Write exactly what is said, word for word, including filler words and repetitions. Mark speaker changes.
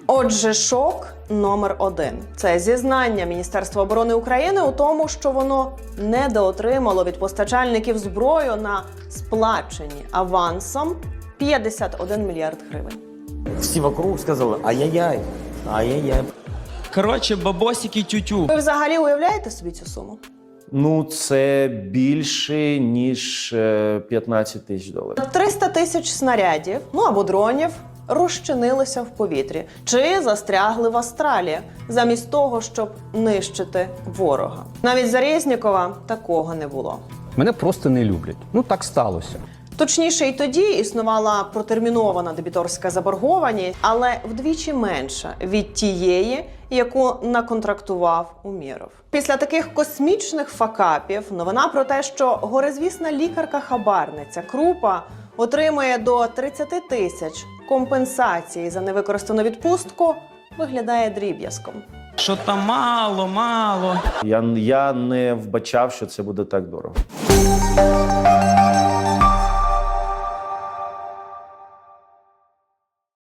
Speaker 1: Отже, шок номер один. Це зізнання Міністерства оборони України у тому, що воно недоотримало від постачальників зброю на сплачені авансом п'ятдесят один мільярд гривень.
Speaker 2: Всі вокруг сказали, ай-яй-яй, ай-яй-яй.
Speaker 3: Коротше, бабосики тютю.
Speaker 1: Ви взагалі уявляєте собі цю суму?
Speaker 2: Ну, це більше, ніж е, п'ятнадцять тисяч доларів.
Speaker 1: триста тисяч снарядів, ну або дронів, розчинилися в повітрі чи застрягли в астралі, замість того, щоб нищити ворога. Навіть за Резнікова такого не було.
Speaker 4: Мене просто не люблять. Ну так сталося.
Speaker 1: Точніше, і тоді існувала протермінована дебіторська заборгованість, але вдвічі менша від тієї, яку наконтрактував Умєров. Після таких космічних факапів новина про те, що горизвісна лікарка-хабарниця Крупа отримує до тридцяти тисяч компенсації за невикористану відпустку, виглядає дріб'язком.
Speaker 3: Що там мало, мало.
Speaker 2: Я, я не вбачав, що це буде так дорого.